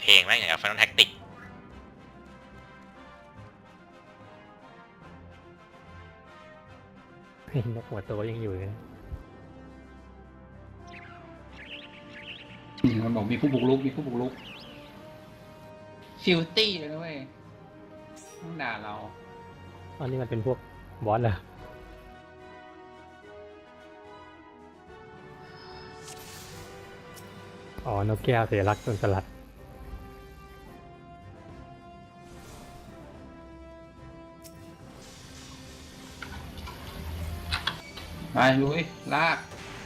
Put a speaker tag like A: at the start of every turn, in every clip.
A: เพลงแม่งอย่างกับ Final Tactics
B: นกหัวโตยังอยู่เลย
C: มันบอกมีผู้บุกรุกฟิลตี้เลยนะเว้ยต้องด่าเรา
B: อันนี้มันเป็นพวกบอสเหรออ๋อนกแก้วเสียรักจนสลัด
C: ไปลุยลาก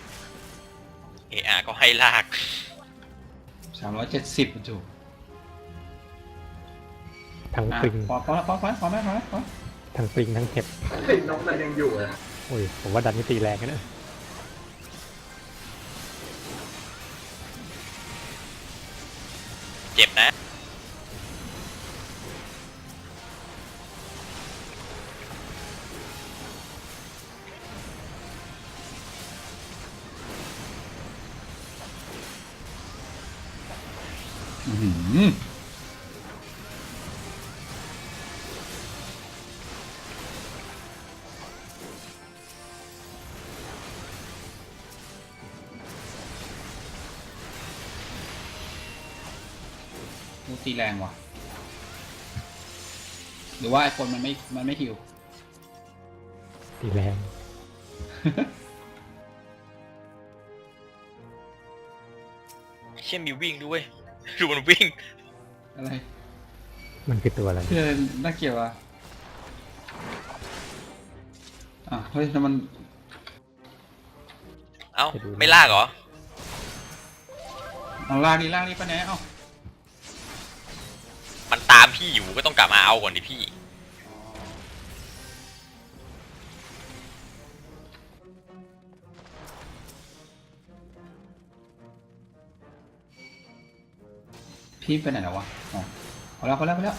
A: ก็ให้ลาก
C: 370จุ
B: ทั้งปริง
C: พอไหม
B: ทั้งปริงทั้งเห็บ
D: ติดนกมันยังอยู่อ่ะ
B: โอ้ยผมว่าดันไม่ตีแรงกันนะ
A: เจ็บนะ
C: ดูตีแรงว่ะหรือว่าไอคนมันไม่หิว
B: ตีแรง
A: เชี่ยมีวิ่งด้วย ดูมันวิ่ง
C: อะไร
B: มันคือตัวอะไร
C: เพื่อนน่าเกลียดว่ะเฮ้ยแล้วมัน
A: เอ้าไม่ลากเหรอ
C: เอาลากดิปะแหนเอา
A: มันตามพี่อยู่ก็ต้องกลับมาเอาก่อนดิพี่
C: พี่ไปไหนแล้ววะอ๋อพอแล้ว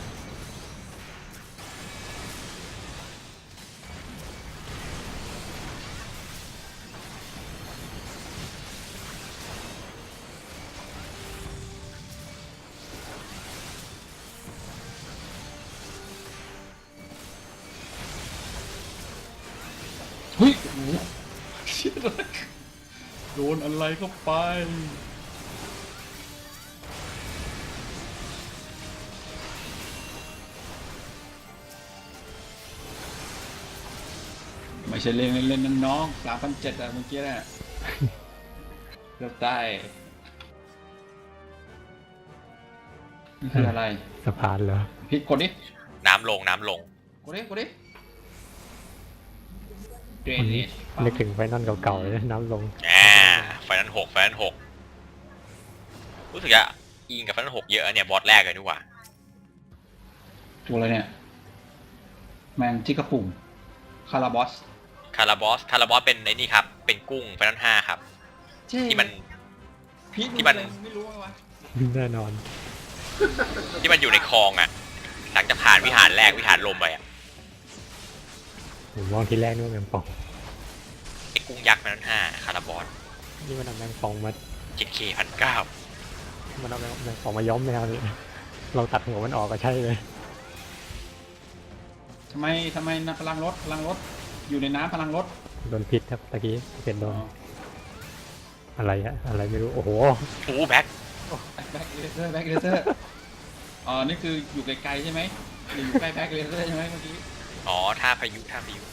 C: เฮ้ยโอ้โหเชี่ยโดนอะไรเข้าไปไม่ใช่เล่นนั่นน้อง3,700อะเมื่อกี้น่ะเกือบได้นี่คืออะไร
B: สะพานเหรอ
C: พี่กดดิ
A: น้ำลง
C: กดดิเดร
B: วัน
C: เน
B: นี้
C: จ
B: นึกถึงไฟนอลเก่าๆเลยนะน้ำลง
A: ไฟนั้นหกรู้สึกจะอิงกับไฟนั้น6เยอะเนี่ยบอสแรกเลยดีกว่า
C: ตัวอะไรเนี่ยแมงจิกกระปุ่มคาราบอส
A: คาราบอสเป็นไอ้นี่ครับ เป็นกุ้งไฟนั้น5ครับ ที่มัน ที่มัน
C: ไม่รู้ไงวะ
B: แน่นอน
A: ที่มันอยู่ในคลองอ่ะ หลังจากผ่านวิหารแรกวิหารลมไปอ่ะ
B: ผมมองที่แรกนึกว่าแมงป่อง
A: ไอ้กุ้งยักษ์ไฟนั้น5คาราบอส
B: นี่มันเอาแมงป่องมา
A: 7K 1,900
B: มันเอาแมงป่องมาย้อมแมวนี่เราตัดหัวมันออกก็ใช่เลย
C: ทำไมนะพลังรถอยู่ในน้ำพลังรถ
B: โดนพิษครับตะกี้เป็นโดนอะไรฮะอะไรไม่รู้โอ้โห
A: โอ้แบ็ค
C: แบ็คเลเซอร์อ๋อนี่คืออยู่ไกลๆใช่ไหมหรืออยู่ใกล้แบ็คเลเซอร์ใช่ไหมเมื่อกี้
A: อ๋อท่าพายุ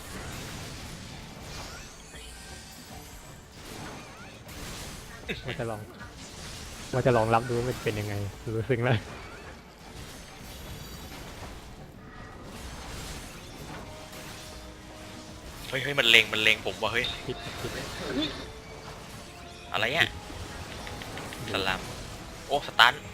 B: ว่าจะลองรับดูว่ามันเป็นยังไงรู้สึกแล้ว
A: เฮ้ยมันเล็งผมว่าเฮ้ย
B: พิษ
A: อะไรอ่ะสลัมโอ้สตัน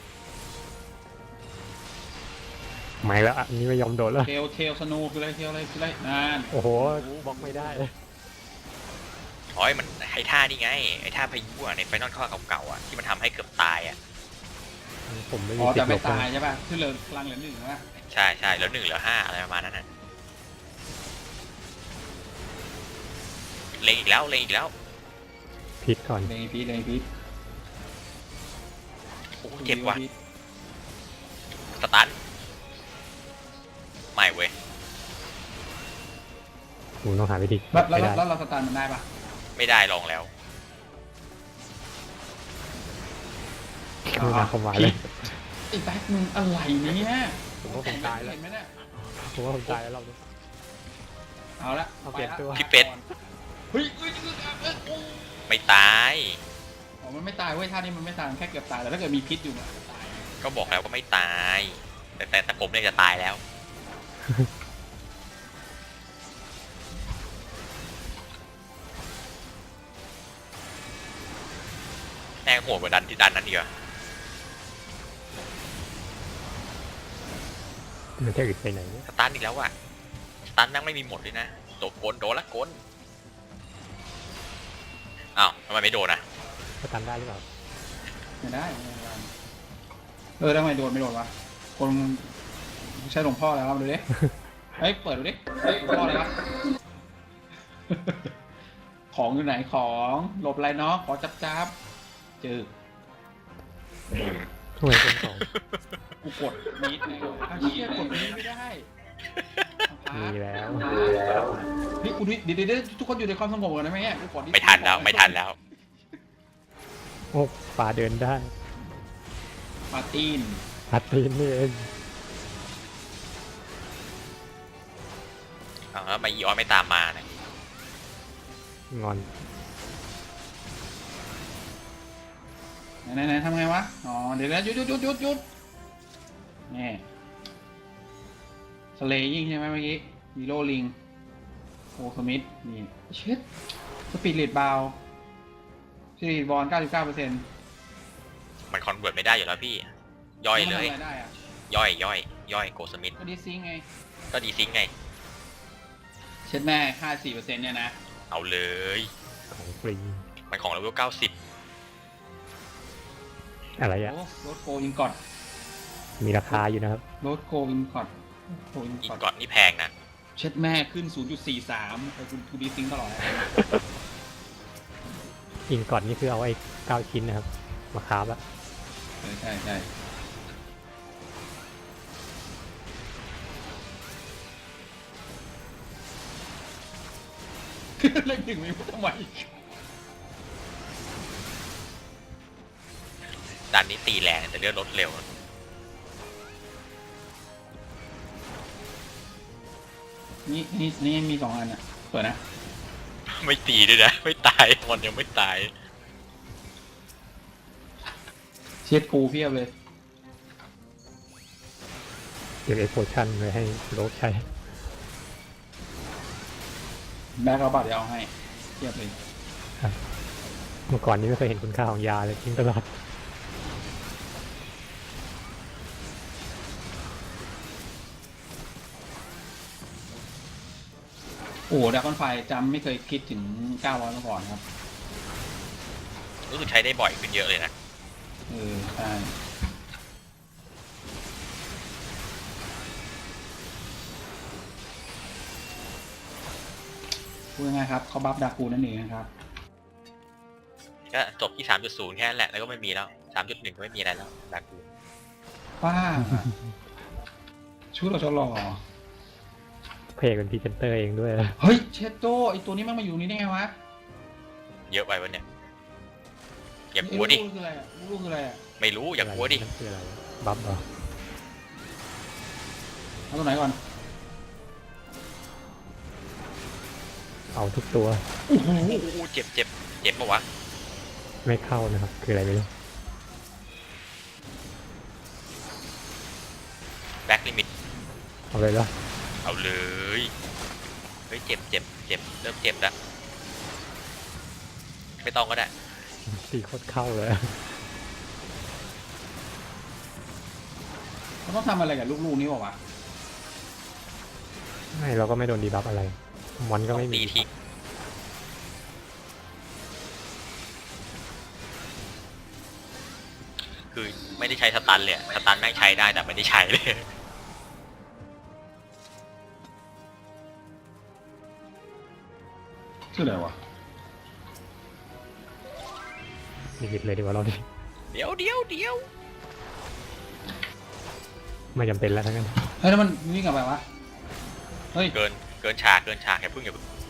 B: ไม่แล้วอันนี้ไม่ยอมโดดแล้ว
C: เทลสโนคืออะไรนั่น
B: โอ้โหบล็อกไม่ได้
A: อ๋อมันไอ้ท่านี่ไงไอ้ท่าพายุอ่ะในไฟนอลข้อเก่าๆอ่ะที่มันทำให้เกือบตายอ่ะ
B: ผมไม่
C: อ๋
B: มี
C: อ
B: สิท
C: แต่
B: ธิ์หล
C: ไม่
B: บ
C: ตายใช่ป่ะคือเหลือพลังเหลือ1ว่ะ
A: ใช่แล้ว1เหลือ5อะไรประมาณนั้นน่ะเล็งอีกแล้ว
B: พิษก่อน
C: เลยพีท
A: โอ้เจ็บว่ะสตันไม่เว้ย
B: กูต้องหาวิธี
C: แล้ว
B: ไม่ได้
C: แล้วเราสตาร์ทมันได้ปะ
A: ไม่ได้ลองแล้ว
B: ไม่น่าเข้ามาเลย
C: ไอ้แบ็คมึงอะไรเนี่ย
B: ผมว่าผมตายแล้ว
C: เห็นไหมเนี่ย
B: ผมว่าผมตายแล้วเราเนี่ย
C: เอาละ
B: เอาเปลี่ยนตัว
A: พี่เป็ด
C: เฮ้ยเฮ้ยโอ้
A: ไม่ตาย
C: อ๋อมันไม่ตายเว้ยท่านี้มันไม่ตายมันแค่เกือบตายแต่ถ้าเกิดมีพิษอยู่มันอาจจะตาย
A: ก็บอกแล้วว่าไม่ตาย แต่ผมเนี่ยจะตายแล้ว แม่งโหดกว่าดันที่ดันนั้นดีกว่า
B: มันจะอึดไปไหนเนี่ย
A: สตันอีกแล้วว่ะสตันแม่งไม่มีหมดเลยนะโดนโดนละกนอ้าวทำไมไม่โดนอ่ะ
B: สตันได้หรือเปล่า
C: ไม่ได้ทำไมโดนไม่โดนวะคนใช้หลวงพ่อแล้วมาดูดิเฮ้ยเปิดดูดิหลวงพ่ออะไรวะ ของอยู่ไหนของหลบอะไรเนาะขอจับเจอ
B: ทำไมเป็นของ
C: กูกดมีดไงอ้าวเชี่ยกดมีดไม่ได้
B: มีแล้ว
C: นี่กูเดี๋ยวทุกคนอยู่ในความสงบกันได้ไหมเนี่ยกูกด
A: ไม่ทันแล้วไม่ทันแล้ว
B: โอ้ป่าเดินได้
C: ปาตีน
B: พัดตีนนี่เอง
A: อ้าวแล้วทำไมอีออนไม่ตามมาเนี่ย
B: งอน
C: ไหนทำไงวะอ๋อเดี๋ยวนะหยุดนี่สเลย์ยิงใช่ไหมเมื่อกี้ฮีโร่ลิงโอสมิธนี่เช็ดสปีดเลดบาวสปีดบอล 99%
A: มันคอนเวิร์ตไม่ได้อยู่แล้วพี่ ย่อยเลย
C: ทำอะไรได้อะ
A: ย่อยโกสมิธ
C: ก็ดีซิงไง
A: ก็ดีซิงไง
C: เช็ดแม่ 54%เนี่ยนะ
A: เอาเลย
B: ของฟรี
A: มันของเลเวล90
B: อะไรอะ
C: โอ้รถโกอินกอด
B: มีราคาอยู่นะครับ
C: รถโกอินกอดโกอิน
A: อี
C: กอด
A: กอดนี่แพงนะ
C: เช็ดแม่ขึ้น 0.43ไปคุณทูดีซิงตลอดเลย
B: อินก่อนนี่คือเอาไอ้9 ชิ้นนะครับ มาคาบอะ
C: ใช่ เลขหนึ่งไม่พูดทำไม
A: ดันนี้ตีแรงแต่เลือดลดเร็ว
C: นี่มี2 อันอ่ะเปิดนะ
A: ไม่ตีด้วยนะ ไม่ตายมันยังไม่ตาย
C: เช็ดกูเพียบเลย
B: เก็บไอ้โพชั่นไว้ให้โลกใช้
C: แบ็คเอาบัตรเดี๋ยวเอาให้เพียบเลย
B: เมื่อก่อนนี้ไม่เคยเห็นคุณค่าของยาเลยทิ้งตลอด
C: โอ้ดักคอนไฟจำไม่เคยคิดถึง 900มาก่อนครับ
A: รู้สึกใช้ได้บ่อยขึ้นเยอะเลยนะ
C: ใช่พูดง่ายๆครับเขาบัฟดากูนั่นเองนะครับ
A: ก็จบที่ 3.0 แค่นั้นแหละ แล้วก็ไม่มีแล้ว 3.1 ก็ไม่มีอะไรแล้วดักกู
C: ป้า ชุดเราจะหล่อ
B: เพจเป็นพรีเซนเตอร์เองด้วย
C: เฮ้ย เชดโตไอตัวนี้มันมาอยู่นี่ได้ไงวะ
A: เยอะไปวะเนี่ย อย่ากลัวดิ
C: ลูกคืออะไรอ่ะลูกคืออะไรอ่ะ
A: ไม่รู้อย่ากลัวดิ
B: นั่นคืออะไรบัฟเหรอ
C: เอาตัวไหนก่อน
B: เอาทุกตัว
C: โอ้โห
A: โอ้โหเจ็บปะวะ
B: ไม่เข้านะครับ คืออะไรไม่รู้
A: แบ็คลิมิต
B: เอาเลยเหรอ
A: เอาเลย เฮ้ยเจ็บ เริ่มเจ็บแล้ว ไม่ต้องก็ได้
B: ตีโคตรเข้าเลย
C: เขาต้องทำอะไรกับลูกๆนี้บอกว่าวะ
B: ไม่เราก็ไม่โดนดีบัฟอะไร มอนก็
A: ต้อง
B: ไม่มี
A: ตีทิ้งคือไม่ได้ใช้สตันเลยอะสตันแม่งใช้ได้แต่ไม่ได้ใช้เลย
C: ชื่ออะไรวะ
B: ลิมิตเลยดีกว่าเราดิ
A: เดี๋ยว
B: ไม่จำเป็นแล้วทั้งนั้น
C: เฮ้ยแล้วมันวิ่งกลับไปวะเฮ้ย
A: เกินฉากอย่าเพิ่ง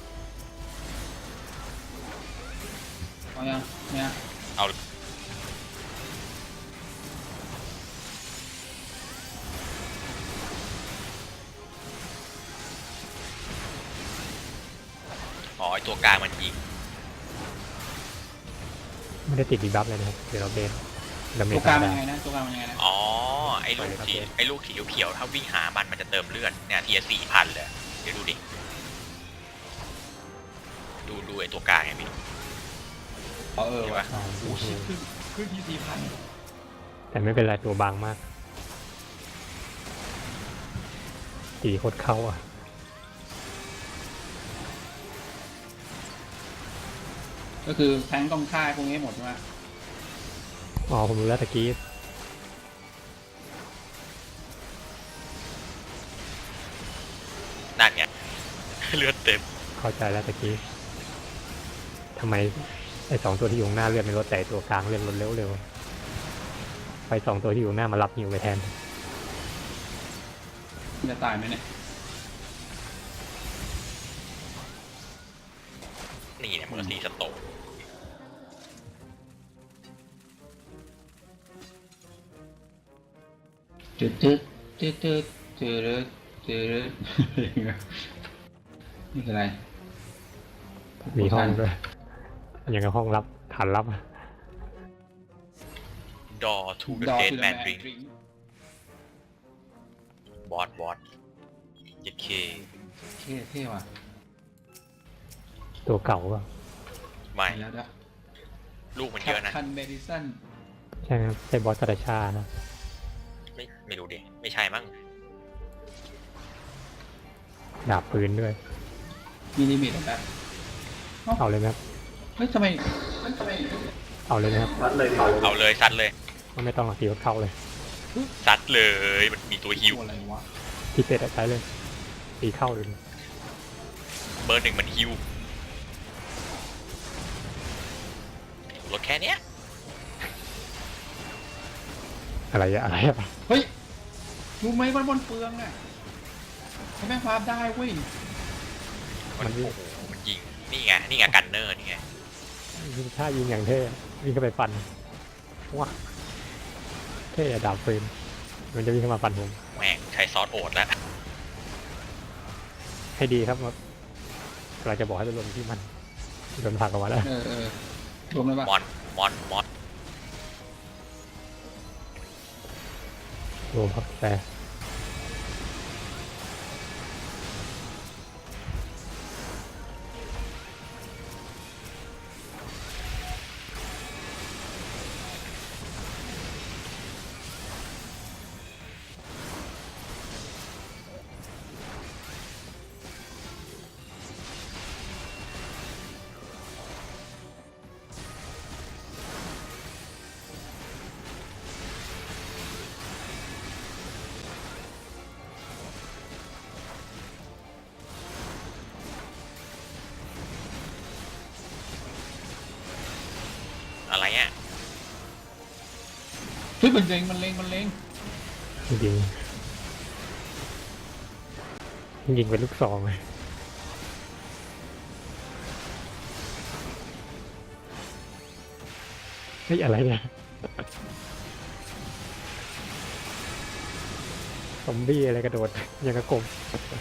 C: เอายังเนี่ย
A: เอาอ๋อไอตัวกลางมันยิง
B: ไม่ได้ติดดีบัฟเลยนะครับเดี๋ยวเราเบสดาเม
C: ตั
B: จ
C: วกลาง
B: ได้
C: มันยังไงนะตัวกลางมันยังไงนะ
A: อ๋อไอ้ลูกสีเขียวๆถ้าวิ่งหามันจะเติมเลือดเนี่ยทีละ4,000เลยเดี๋ยวดูดิดูไอ้ตัวกลางไงพี่
C: อ๋อเออ
A: เห็น
C: ว่ะ
A: ปะ
C: โอ้ชิบขึ้นที่4,000
B: แต่ไม่เป็นไรตัวบางมากตีโคตรเข้าอ่ะ
C: ก็คือแทงต้องฆ่าพวกนี้หมดใช่ไหม
B: อ๋อผมรู้แล้วตะกี้
A: นั่นไง เลือดเต็ม
B: เข้าใจแล้วตะกี้ทำไมไอ้สองตัวที่อยู่ข้างหน้าเลือดไม่ลดแต่ไอ้ตัวกลางเลือดลดเร็วไปสองตัวที่อยู่ข้างหน้ามารับฮิวไปแทน
C: จะตายไหมเนี่ย
A: นี่เนี่ยเมอร์ซี่สโตก
C: จืดจืดจืดจืดจืดจืดนี่คืออะไร
B: มีห้องด้วยอย่างกับห้องรับฐานรับ
A: ดอทูเด
C: ด
A: อะ
C: อ
A: เด
C: ทู
A: ด
C: เด
A: แม
C: อะ
A: น
C: แมน
A: ดริง
C: ดริง
A: บอสเจ็ดเค
C: เท่ว่ะ
B: ตัวเก่าป่ะ
A: ไม่
C: แล้วนะ
A: ลูกมัน
C: แค
A: เย
C: ป
A: อะนะ
C: ทันเมดิสัน
B: ใช่ครับใช่บอสตาชานะ
A: ไม่รู้ดิไม่ใช่มั้ง
B: ดาบปืนด้วย
C: มีลิมิตแบบ
B: เอาเลยไหมครับ
C: เฮ้ยทำไม
B: เอาเลยนะครับ
D: วัดเลย
A: เอาเลยซัดเลย
B: ไม่ต้องหรอกตีเข้าเลย
A: ซัดเลยมันมีตัวฮิว
C: ตัวอะไรวะ
B: ที่เป็ดอะใช้เลยตีเข้าเลย
A: เบอร์ 1มันฮิวรถแค่เนี้ย
B: อะไรอะอะไรอะ
C: เฮ้ยรู้ไหมมันบนเปลืองอ่ะใช้แม่งพาบได้เว้ย
A: มันโอ้โหมันยิงนี่ไงกันเนอร์นี่ไง
B: ยิงท่ายิงอย่างเท่วิ่งเข้าไปฟันว้าเท่อะดาบปืนมันจะวิ่งเข้ามาฟันผม
A: แม่งใช้ซอสโอดแล้ว
B: ให้ดีครับเราจะบอกให้ไปลงที่มันโดนผลักออกมาแล้ว
C: เออรวมเลยปะ
A: มอน
B: รวมครับแต่
A: อะไรอ่ะ
C: เฮ้ยมันเล็ง
B: จริงยิงเป็นลูกซองเลยเฮ้ยอะไรเนี่ยซอมบี้อะไรกระโดดยังกระกบ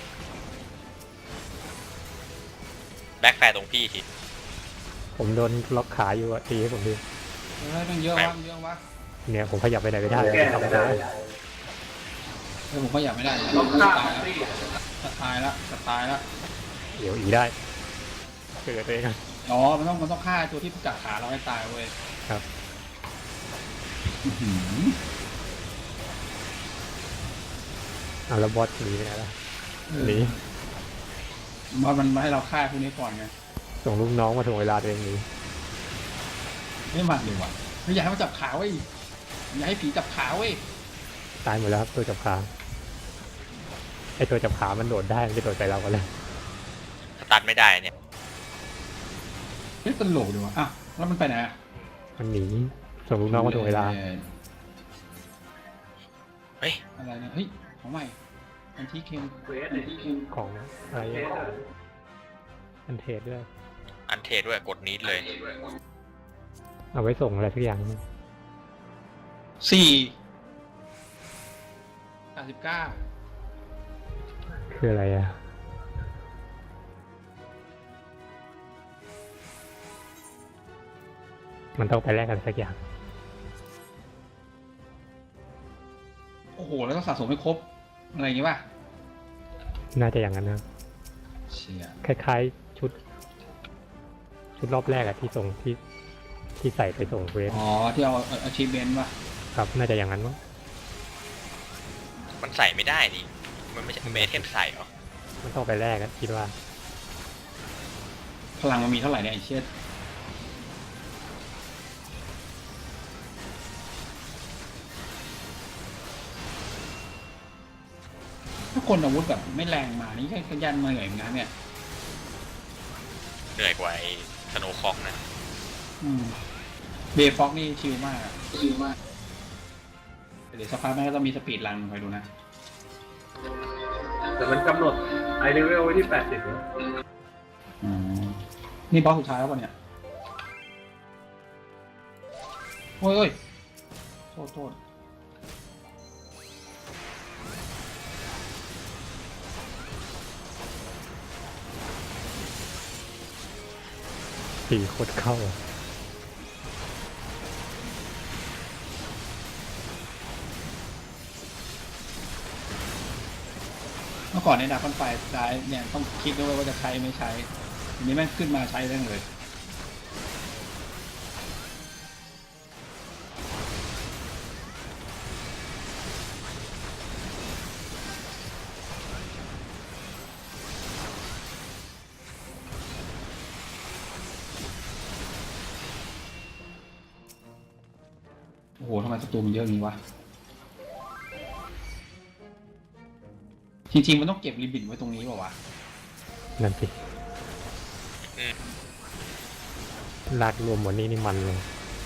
A: แบ็คแฟร์ตรงพี่ที
B: ผมโดนล็อกขาอยู่อะตีให้ผมดิ
C: เฮ้ยต้องเยอะวะ
B: เนี่ยผมขยับไปไหนไม่ได้
D: แก้
B: ทำ
D: ไม่
B: ไม่
D: ได้
B: ได้
C: เฮ้ยผมก็อยากไม่ได้
D: ต้องฆ่า
C: จะตายแล้ว
B: เดี๋ยวอีได้เกิดตัวเองอะ
C: อ๋อมันต้องฆ่าตัวที่จับขาเราให้ตายเว้ย
B: ครับ
C: อื้อหือ
B: แล้วบอสหนีไปไหนล่ะหนี
C: มันมาให้เราฆ่าพวกนี้ก่อนไง
B: ส่งลูกน้องมาถ่วงเวลาตัวเองหนี
C: ไม่มันเลยว่ะไม่อยากให้มันจับขาเว้ยอย่าให้ผีจับขาเว้ย
B: ตายหมดแล้วครับตัวจับขาไอตัวจับขามันโดดได้มันจะโดดใส่เรากันเลย
A: สตันไม่ได้เนี่ย
C: เฮ้ยตลกดีว่ะอ่ะแล้วมันไปไหนอะ
B: มันหนีส่งลูกน้องมาถ่วงเวลา
A: เฮ้ย
C: อะไรเนี่ยเฮ้ยของใหม่อันที่เค็ม
D: เควสไอ้ที่
B: ของอะไร
D: เควสอะ
B: อันเทรดด้วย
A: อันเทด้วยกดนี้เลย
B: เอาไว้ส่งอะไรสักอย่าง
C: 4 89
B: คืออะไรอ่ะมันต้องไปแลกกันสักอย่าง
C: โอ้โหแล้วต้องสะสมให้ครบอะไรอย่างงี้ป่ะ
B: น่าจะอย่างนั้นนะ
C: เชี่ย
B: คล้ายๆชุดรอบแรกอะที่ส่งที่ใส่ไปส่งเวฟ
C: อ๋อที่เอา achievement ป่ะ
B: ครับน่าจะอย่างนั้นมั้ง
A: มันใส่ไม่ได้ดิมันไม่ใช่เมเทมใส่เหรอ
B: มันต้องไปแลกกันคิดว่า
C: พลังมันมีเท่าไหร่เนี่ยไอ้เชี่ยถ้าคนอาวุธแบบไม่แรงมานี่แค่ขยันมาเหนื่อยเหมือนกันเนี่ย
A: เหนื่อยกว่าไอ้สโนว์คอกนะ
C: เบฟ็อกนี่ชิลมากอะชิลมาก เดี๋ยวสักพักแม่งก็ต้องมีสปีดรันคอยดูนะ
D: แต่มันกำหนดไอเลเวลไว้ที่ 80แล้ว
C: นี่บอสสุดท้ายแล้วป่ะเนี่ย โอ้ยโทษ
B: 4 โคตรเข้า
C: เมื่อก่อนในดาบฟันไฟซ้ายเนี่ยต้องคิดด้วยว่าจะใช้ไม่ใช้ทีนี้แม่งขึ้นมาใช้ได้เลย โอ้โหทำไมศัตรูมันเยอะอย่างนี้วะ จริงๆมันต้องเก็บริบินไว้ตรงนี้เปล่าวะ
B: นั่นสิ
A: อืม
B: ลากรวมหมดนี่มันเลย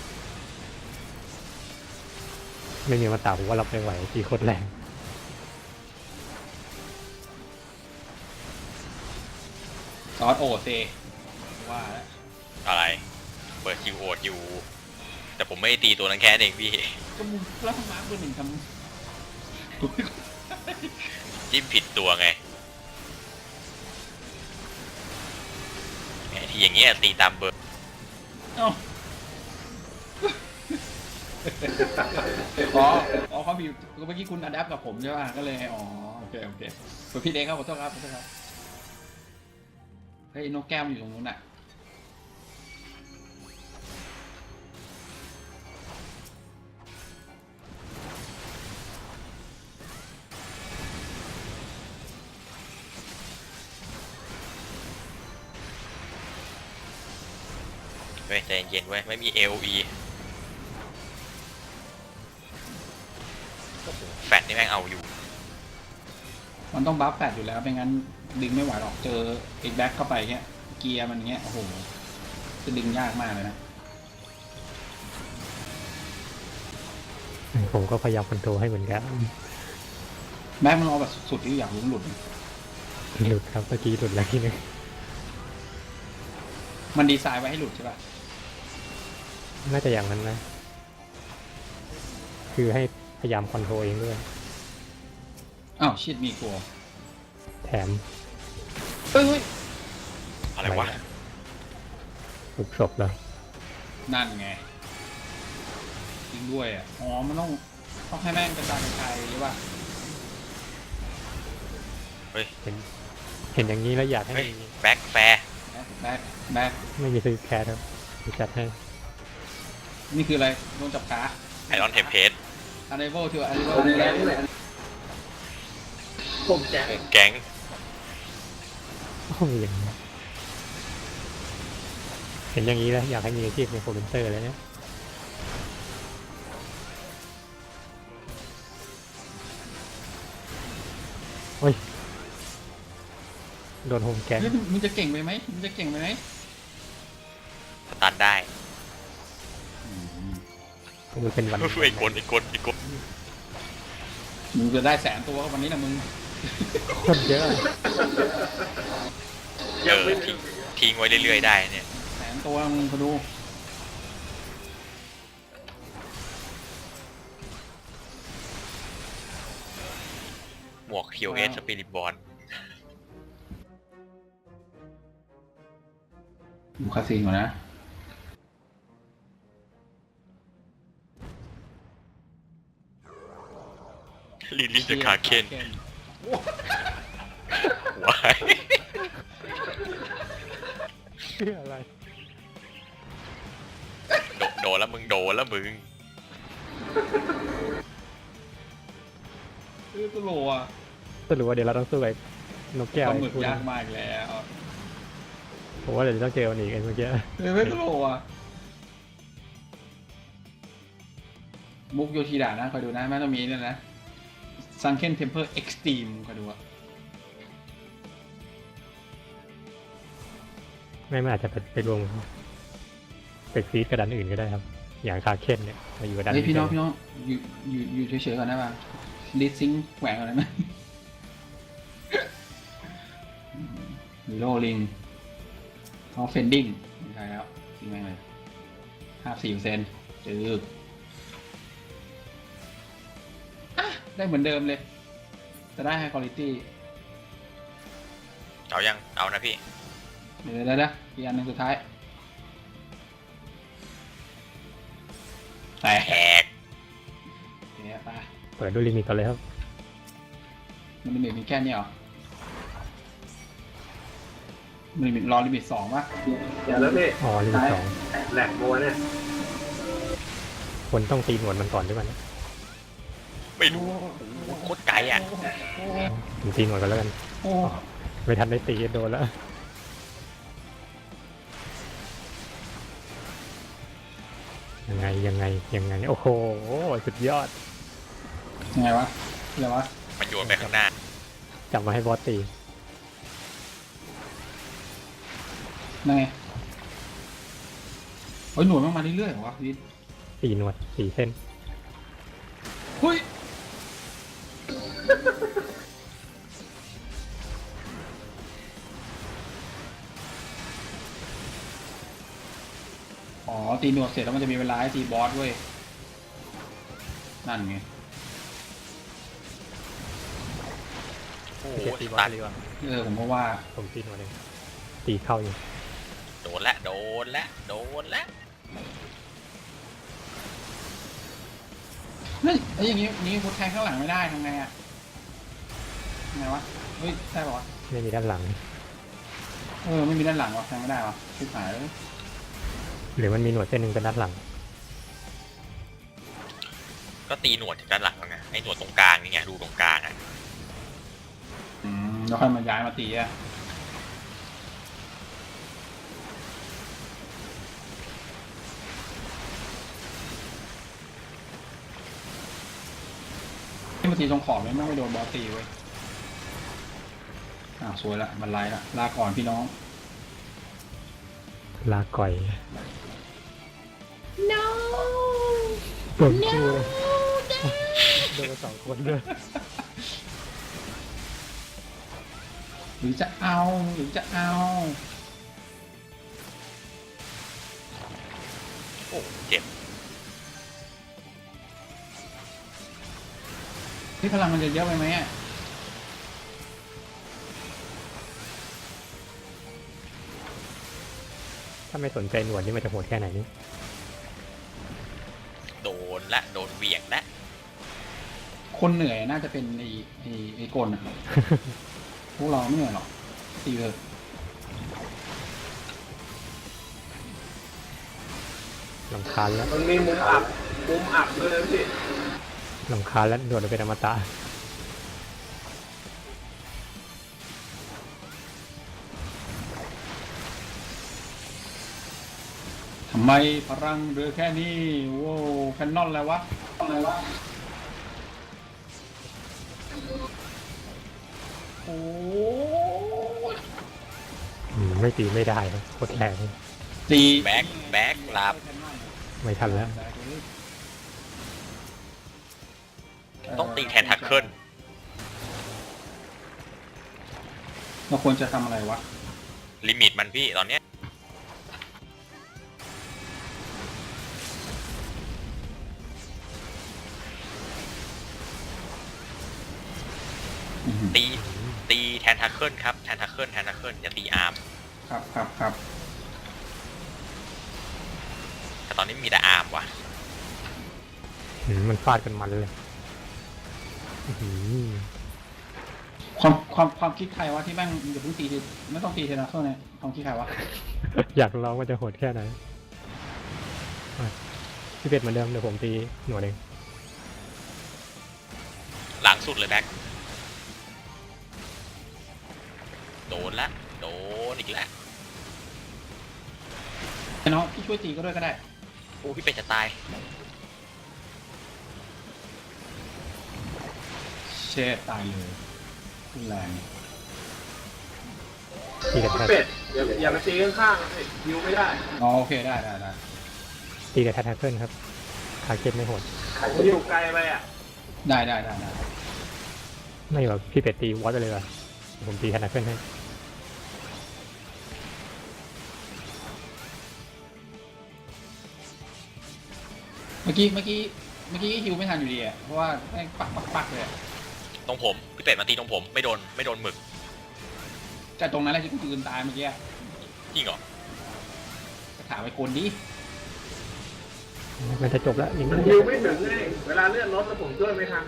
B: ไม่มีมาตาผมว่ารับไม่ไหว4 โคตรแรง
C: ซอสโอเซว่าแล้ว
A: อะไร เปิดคิวโอดอยู่ แต่ผมไม่ได้ตีตัวนั้นแค่นั้นเองพี่
C: ก็มึงแล้วทำไมเบอร์หนึ่งทำ
A: จิ้มผิดตัวไงไอ้ที่อย่างเงี้ยตีตามเบอร์
C: เอ้าอ๋อเขามีเมื่อกี้คุณอัดแอปกับผมใช่ป่ะก็เลยอ๋อโอเคส่วนพี่เด็กครับขอโทษครับเฮ้ยนกแก้วมันอยู่ตรงนู้นน่ะ
A: เว้ยใจเย็นๆเว้ยไม่มี LE แฟตนี่แม่งเอาอยู่
C: มันต้องบัฟแปดอยู่แล้วไม่งั้นดึงไม่ไหวหรอกเจออีกแบ็คเข้าไปเงี้ยเกียร์มันเงี้ยโอ้โหจะดึงยากมากเลยนะ
B: ผมก็พยายามคอนโทรลให้เหมือนกัน
C: แบ็คมันเอาแบบสุดที่อยากรู้มันหลุด
B: หลุดครับเมื่อกี้หลุดแล้วทีนึง
C: มันดีไซน์ไว้ให้หลุดใช่ป่ะ
B: น่าจะอย่างนั้นนะ คือให้พยายามคอนโทรลเองด้วย
C: อ้าวชิดมีกลัว
B: แถม
C: เฮ้ย
A: อะไรวะ
B: ฝึกศพแล้ว
C: นั่นไงจริงด้วยอ่ะอ๋อมันต้องให้แม่งกระจายหรือว่า
B: เห็นอย่างนี้แล้วอยากให้
A: เฮ้ย
B: มี
A: แบ็คแฟร์
C: แบ็ค
B: ไม่มีซื้อแคสครับจะจัดให้
C: นี่คืออะไรโดนจับขา
A: ไอรอนเทมเพส
C: unable to unable
D: ผมแจ้งเลยผมแจ้ง
A: แก๊ง
B: โอ้ยอย่างนี้เห็นอย่างนี้แล้วอยากให้มีอาชีพในโคเมนเตอร์เลยเนี่ยโอ้ยโดนโฮมแกง
C: เฮ้ยมึงจะเก่งไปไหมมึงจะเก่งไปไหม
A: สตันได้
B: มันเป็นวัน
A: ไอ้กล
C: มึงจะได้100,000 ตัววันนี้นะมึง
B: คนเยอะ
A: ทิ้งไว้เรื่อยๆได้เนี่ย
C: 100,000 ตัวมึงมาดู
A: หมวก QS Spirit Bond
C: ดูคาซีนก่อนนะ
A: ลิลี่จะคาเคนวาย
B: เชื่ออะไร
A: โดนแล้วมึงโดนแล้วมึง
C: ตัวโลอ่ะ
B: สรุปว่าเดี๋ยวเราต้องสู้กับนกแก้ว
C: ปลาหมึ
B: ไอ้
C: ก
B: คู่
C: ยา
B: นั้
C: ก
B: น
C: มากอีกแล้ว
B: ผมว่าเดี๋ยวต้องเจอมันอีกไอ้เมื่อกี้
C: ไม่ตัวโลอ่ะมุกโยชิดะนะคอยดูนะแม่ต้องมีเนี่ยนะซังเคนเทมเพอร์เอ็กซ์ตรีมคอยดูอ่ะ
B: ไม่มันอาจจะไปรวมไปฟีดกระดานอื่นก็ได้ครับ อย่างคาเคนเนี่ยมาอยู่กระดาน
C: เฮ้ยพี่น้องอยู่เฉยๆก่อนได้ป่ะลิซิงแหวกก่อนได้ไหมฮีโร่ลิงเขาเฟนดิ้งไม่ใช่แล้วทิ้งแม่งเลย54%จืดได้เหมือนเดิมเลยจะได้ high quality
A: เอายังเอานะพี่
C: เดี๋ยวอีกอันหนึ่งสุดท้ายแต่
A: แหก
C: เนี่ยไป
B: เปิดด้วยลิมิตก่อนเลยครับ
C: มันลิมิตมีแค่นี้เหรอมันลิมิตรอลิมิต2ป่ะ
D: เดี๋ยวแล้วพี่
B: อ๋อลิมิตสอง
D: แหลกโบเนี่ย
B: คนต้องตีหนวดมันก่อนด้วยมันย
A: ไม่รู้โคตรไกลอ่ะ
B: ผมตีหนวดก่อนแล้วกัน
C: โอ้
B: ไม่ทันได้ตีโดนแล้ว ยังไง โอ้โห สุดยอด
C: ยังไงวะอะไรวะ
A: มันโยนไปข้างหน้า
B: จับมาให้บอสตี
C: นั่นไงเฮ้ยหน่วยมันมาเรื่อยๆเหรอวะพีท
B: ตีหนวดสี่เส้น
C: เฮ้ยอ๋อตีหนวดเสร็จแล้วมันจะมีเวลาให้ตีบอสเว้ยนั่นไง
A: โอ้โห
B: เดี๋ยวตีบอ
A: ตั
B: ส
A: ด
B: ดีกว่า
C: ผมก็ว่า
B: ผมตีหนวดเองตีเข้าอยู่
A: โดนละ
C: เฮ้ยไอ้อย่างนี้พุทแทงข้างหลังไม่ได้ทำไงอ่ะไงวะเฮ้ยได้ป่าวะ
B: ไม่มีด้านหลัง
C: ไม่มีด้านหลังวะแทงไม่ได้วะชิบหายเลย
B: หรือมันมีหนวดเส้นหนึ่งเป็นด้านหลัง
A: ก็ตีหนวดจากด้านหลังแล้วไงไอ้หนวดตรงกลางนี่ไงดูตรงกลางอ่ะ
C: แล้วค่อยมาย้ายมาตีอ่ะที่มาตีตรงขอบเนี่ยไม่โดนบอสตีเว้ยสวยละมันไล่ละลาก่อนพี่น้อง
B: ลาก่อย
C: no
B: เปิดคู่โดนสองคนด้วย
C: หรือจะเอา
A: โอ้เจ็บ
C: ที่พลังมันจะเยอะไปไหมอ่ะ
B: ถ้าไม่สนใจหนวดนี่มันจะโหดแค่ไหนนี่
A: โดนเหวี่ยงละ
C: คนเหนื่อยน่าจะเป็นไอ้กลอ่ะ พวกเราไม่เหนื่อยหรอกตีเลย
B: ลำคาญแล้ว
D: มันมีมุมอับด้วยนะพี่
B: ลำคาญแล้วหนวดมันเป็นอมตะ
C: ทำไมพลังเรือแค่นี้โว้แคนนอนอะไรวะโอ้ย
B: ไม่ตีไม่ได้ครับโคตรแรง
C: ตี
A: แบ็คลาบ
B: ไม่ทันแล้ว
A: ต้องตีแทนทักเกิล
C: เราควรจะทำอะไรวะ
A: ลิมิตมันพี่ตอนเนี้ย
C: อื้อหือ
A: ตีแทนทักเกิลครับแทนทักเกิลอย่าตีอาร์ม
C: ครับ
A: แต่ตอนนี้มีแต่อาร์มว่ะ
B: มันฟาดกันมันเลยอื้อหือ
C: ความคิดใครวะที่แม่งอย่าเพิ่งตีทีไม่ต้องตีเทนาเคิลเนี่ยความคิดใครวะ
B: อยากลองว่าจะโหดแค่ไหนอ่ะพี่เป็ดเหมือนเดิมเดี๋ยวผมตีหน่วยเอง
A: หลังสุดเลยแบ็คโดนละโดนอีกแล้ว
C: ไอ้น้องพี่ช่วยตีก็ด้วยก็ได้
A: โอ้พี่เป็ดจะตาย
C: เชดตายเลยรุนแรง
B: ตีกับแทน
D: เป็ดอย่าไปตีข้างๆสิยิวไม่ได้
C: อ๋อโอเคได้
B: ตีกับแทนแทกเกิลครับขาเก็บไม่โหด
D: ผมอยู่ไกลไปอ่ะ
C: ได้
B: ไม่หรอกพี่เป็ดตีวอตไปเลยว่ะเดี๋ยวผมตีแทนแทกเกิลให้
C: เมื่อกี้ฮิวไม่ทันอยู่ดีอ่ะเพราะว่าแม่งปักเลยอะ
A: ตรงผมพี่เป็ดมาตีตรงผมไม่โดนหมึก
C: แต่ตรงนั้นแหละที่กูยืนตายเมื่อกี้อะ
A: จริงเหรอ
C: ถามไปคนดิ
B: มันจะจบแล้วยัง
D: มัน
B: ไม่
D: ยิวไม่ถึงเลยเวลาเลื่อนรถแล้วผมช่วยไม่ทัน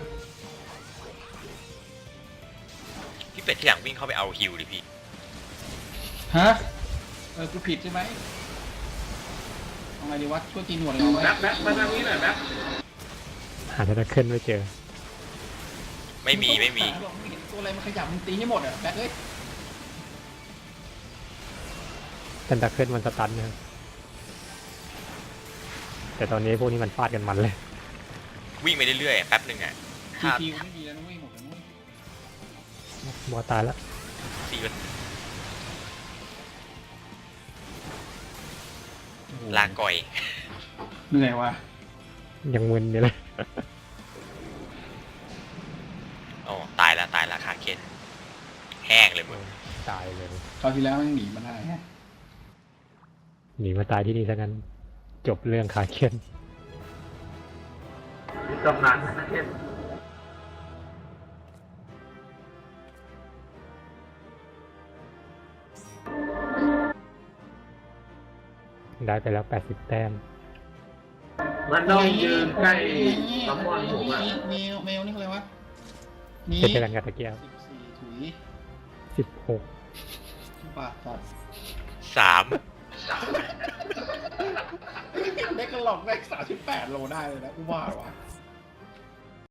A: พี่เป็ดที่หลังวิ่งเข้าไปเอาฮิวดิพี่
C: ฮะกูผิดใช่ไหมเอาไงดีวะช่วยตีหนวดเลยเอาไหม
D: แบ็คมาทางนี้หน่อยแบ็ค
B: หาแทนแทกเกิลไม่เจอ
A: ไม่มี
C: ไม่เห็นตัวอะไรมันขยับมึงตีให้หมดอ่ะแบ็คเอ้ย
B: แทนแทกเกิลมันสตันนะครับแต่ตอนนี้พวกนี้มันฟาดกันมันเลย
A: วิ่งไปเรื่อยๆแป๊บหนึ่งอ่ะ
C: ที
A: ถ้า
C: ทีไม่ดีแล้วนุ้ยหมดแล้วนุ้ย
B: บอตายแล้ว
A: ตีมัน
C: โอ้โห
A: ลาก่อย
C: เหนื่อยว่ะ
B: ยังมึนอยู่เลย
A: อ๋อตายแล้วขาเคนแห้งเลยมึง
B: ตายเลย
C: คราวที่แล้วมันหนีมาได้ฮะ
B: หนีมาตายที่นี่ซะงั้นจบเรื่องขาเคียน
D: มีตำนานนะเช่น
B: ได้ไปแล้ว80 แต้ม
D: มันต้องยืนใกล้ซัมมอนผมอ่ะ
C: เมลนี่คืออะไรวะมี
B: เช่นกันกับตะเกียบ
C: 14ถุย
B: 16
C: ปากสัตว์
A: 3
C: ได้กระหล่องได้38 โลได้เลยนะกูว่าว่ะ